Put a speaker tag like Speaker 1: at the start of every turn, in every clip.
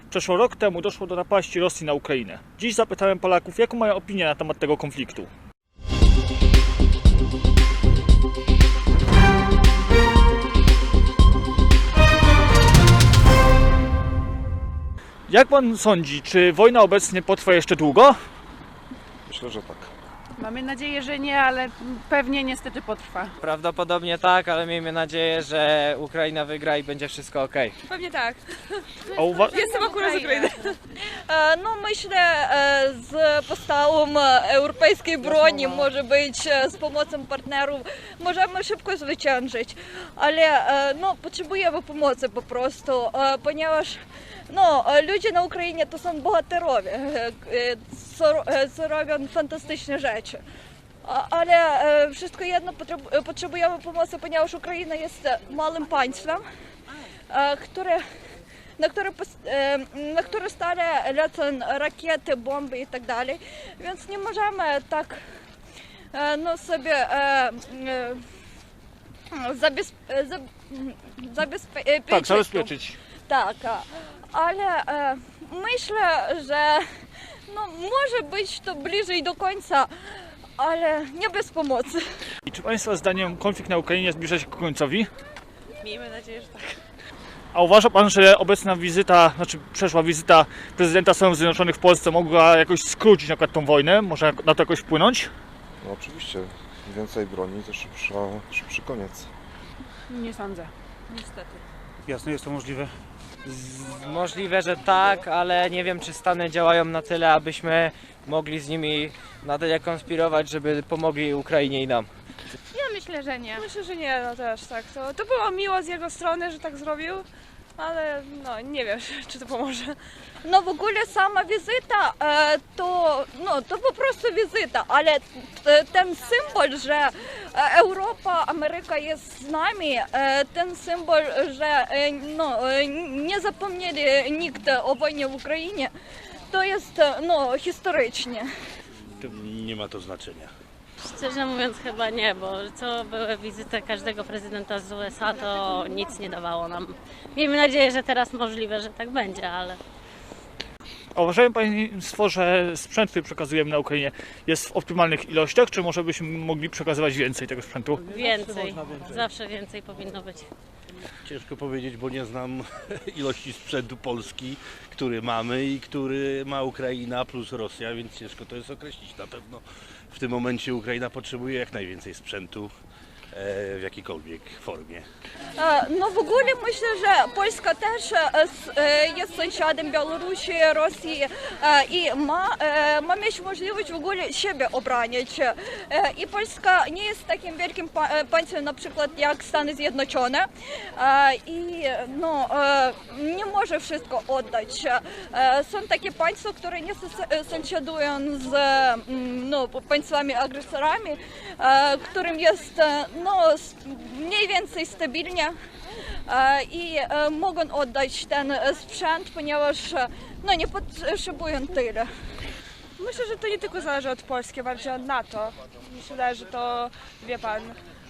Speaker 1: Przeszło rok temu doszło do napaści Rosji na Ukrainę. Dziś zapytałem Polaków, jaką mają opinię na temat tego konfliktu. Jak pan sądzi, czy wojna obecnie potrwa jeszcze długo?
Speaker 2: Myślę, że tak.
Speaker 3: Mamy nadzieję, że nie, ale pewnie niestety potrwa.
Speaker 4: Prawdopodobnie tak, ale miejmy nadzieję, że Ukraina wygra i będzie wszystko ok.
Speaker 5: Pewnie tak.
Speaker 1: A
Speaker 5: Jestem akurat z Ukrainy. No myślę, z postawą europejskiej broni, może być z pomocą partnerów, możemy szybko zwyciężyć, ale no, potrzebujemy pomocy po prostu, ponieważ no, ludzie na Ukrainie to są bohaterowie, co robią fantastyczne rzeczy. Ale wszystko jedno potrzebujemy pomocy, ponieważ Ukraina jest małym państwem, na które stale lecą rakiety, bomby i tak dalej, więc nie możemy tak no, sobie
Speaker 1: zabezpieczyć.
Speaker 5: Tak, ale myślę, że no, może być to bliżej do końca, ale nie bez pomocy.
Speaker 1: I czy państwa zdaniem konflikt na Ukrainie zbliża się ku końcowi?
Speaker 3: Miejmy nadzieję, że tak.
Speaker 1: A uważa pan, że obecna wizyta, przeszła wizyta prezydenta Stanów Zjednoczonych w Polsce mogła jakoś skrócić na przykład tą wojnę? Może na to jakoś wpłynąć?
Speaker 2: No oczywiście, więcej broni to szybszy koniec.
Speaker 3: Nie sądzę. Niestety.
Speaker 6: Jasne, jest to możliwe.
Speaker 4: Możliwe, że tak, ale nie wiem, czy Stany działają na tyle, abyśmy mogli z nimi na tyle konspirować, żeby pomogli Ukrainie i nam.
Speaker 3: Ja myślę, że nie.
Speaker 5: Myślę, że nie, no też tak. To było miło z jego strony, że tak zrobił, ale no nie wiem, czy to pomoże. No w ogóle sama wizyta to po prostu wizyta, ale ten symbol, że Europa, Ameryka jest z nami, ten symbol, że no, nie zapomnieli nikt o wojnie w Ukrainie, to jest no, historycznie.
Speaker 6: Nie ma to znaczenia.
Speaker 7: Szczerze mówiąc chyba nie, bo co były wizyty każdego prezydenta z USA, to nic nie dawało nam. Miejmy nadzieję, że teraz możliwe, że tak będzie, ale...
Speaker 1: A uważają państwo, że sprzęt, który przekazujemy na Ukrainie jest w optymalnych ilościach, czy może byśmy mogli przekazywać więcej tego sprzętu?
Speaker 7: Więcej, zawsze więcej powinno być.
Speaker 6: Ciężko powiedzieć, bo nie znam ilości sprzętu Polski, który mamy i który ma Ukraina plus Rosja, więc ciężko to jest określić. Na pewno w tym momencie Ukraina potrzebuje jak najwięcej sprzętu w jakiejkolwiek formie.
Speaker 5: No w ogóle myślę, że Polska też jest sąsiadem Białorusi, Rosji i ma mieć możliwość w ogóle siebie obronić. I Polska nie jest takim wielkim państwem na przykład jak Stany Zjednoczone i no, nie może wszystko oddać. Są takie państwa, które nie sąsiadują z no, państwami agresorami, którym jest no, mniej więcej stabilnie i mogą oddać ten sprzęt, ponieważ no, nie potrzebują tyle.
Speaker 8: Myślę, że to nie tylko zależy od Polski, bardziej od NATO. Myślę, że to, wie pan,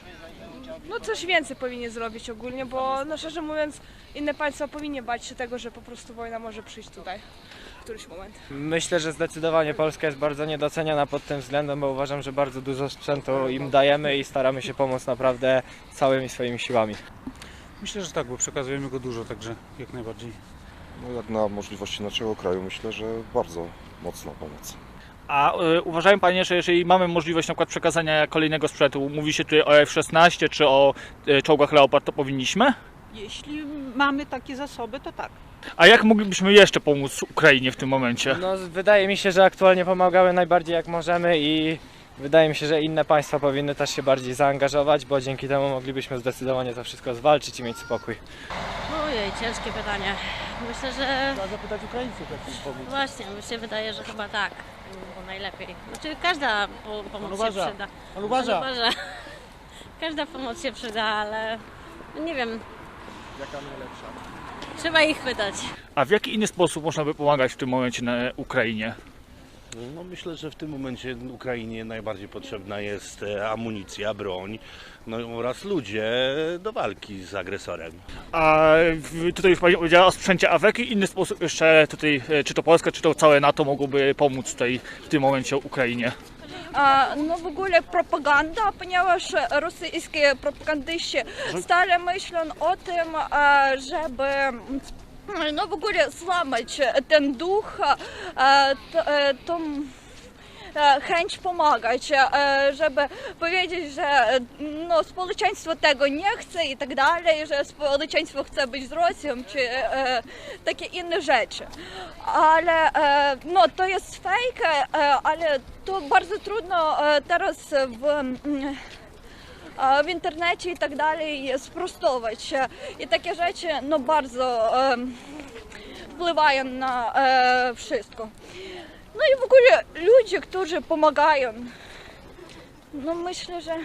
Speaker 8: no coś więcej powinien zrobić ogólnie, bo no szczerze mówiąc inne państwa powinny bać się tego, że po prostu wojna może przyjść tutaj w któryś moment.
Speaker 4: Myślę, że zdecydowanie Polska jest bardzo niedoceniana pod tym względem, bo uważam, że bardzo dużo sprzętu im dajemy i staramy się pomóc naprawdę całymi swoimi siłami.
Speaker 6: Myślę, że tak, bo przekazujemy go dużo, także jak najbardziej.
Speaker 2: No jak na możliwości naszego kraju myślę, że bardzo mocna pomoc.
Speaker 1: A uważają panie, że jeżeli mamy możliwość na przykład przekazania kolejnego sprzętu, mówi się tutaj o F-16 czy o czołgach Leopard, to powinniśmy?
Speaker 9: Jeśli mamy takie zasoby, to tak.
Speaker 1: A jak moglibyśmy jeszcze pomóc Ukrainie w tym momencie?
Speaker 4: No, wydaje mi się, że aktualnie pomagamy najbardziej jak możemy i wydaje mi się, że inne państwa powinny też się bardziej zaangażować, bo dzięki temu moglibyśmy zdecydowanie to wszystko zwalczyć i mieć spokój.
Speaker 7: Ojej, ciężkie pytanie. Myślę, że...
Speaker 6: Trzeba zapytać Ukraińców, jak im pomóc.
Speaker 7: Właśnie, mi się wydaje, że chyba tak. Bo najlepiej. Znaczy każda pomoc się przyda.
Speaker 6: Pan uważa.
Speaker 7: Każda pomoc się przyda, ale nie wiem. Jaka najlepsza? Trzeba ich pytać.
Speaker 1: A w jaki inny sposób można by pomagać w tym momencie na Ukrainie?
Speaker 6: No myślę, że w tym momencie Ukrainie najbardziej potrzebna jest amunicja, broń, no oraz ludzie do walki z agresorem.
Speaker 1: A tutaj już Pani powiedziała o sprzęcie AWEK i inny sposób jeszcze tutaj, czy to Polska, czy to całe NATO mogłoby pomóc tutaj w tym momencie Ukrainie.
Speaker 5: No w ogóle propaganda, ponieważ rosyjscy propagandyści stale myślą o tym, żeby no w ogóle złamać ten duch, tą chęć pomagać, żeby powiedzieć, że no, społeczeństwo tego nie chce i tak dalej, że społeczeństwo chce być z Rosją, czy takie inne rzeczy. Ale no, to jest fake, ale to bardzo trudno teraz w internecie i tak dalej sprostować. I takie rzeczy no, bardzo wpływają na wszystko. No i w ogóle ludzie, którzy pomagają, no myślę, że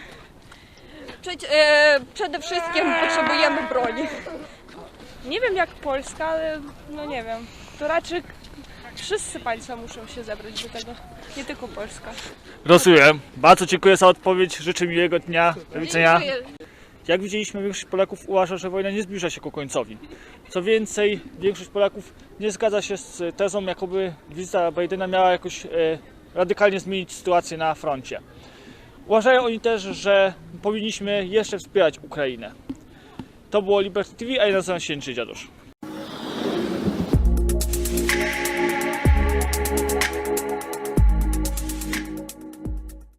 Speaker 5: przede wszystkim potrzebujemy broni.
Speaker 8: Nie wiem jak Polska, ale no nie wiem. To raczej wszyscy państwa muszą się zebrać do tego, nie tylko Polska.
Speaker 1: Rozumiem. Bardzo dziękuję za odpowiedź. Życzę miłego dnia. Do widzenia.
Speaker 5: Dziękuję.
Speaker 1: Jak widzieliśmy, większość Polaków uważa, że wojna nie zbliża się ku końcowi. Co więcej, większość Polaków nie zgadza się z tezą, jakoby wizyta Bidena miała jakoś radykalnie zmienić sytuację na froncie. Uważają oni też, że powinniśmy jeszcze wspierać Ukrainę. To było Liberty TV, a ja nazywam się Jędrzej Dziadusz.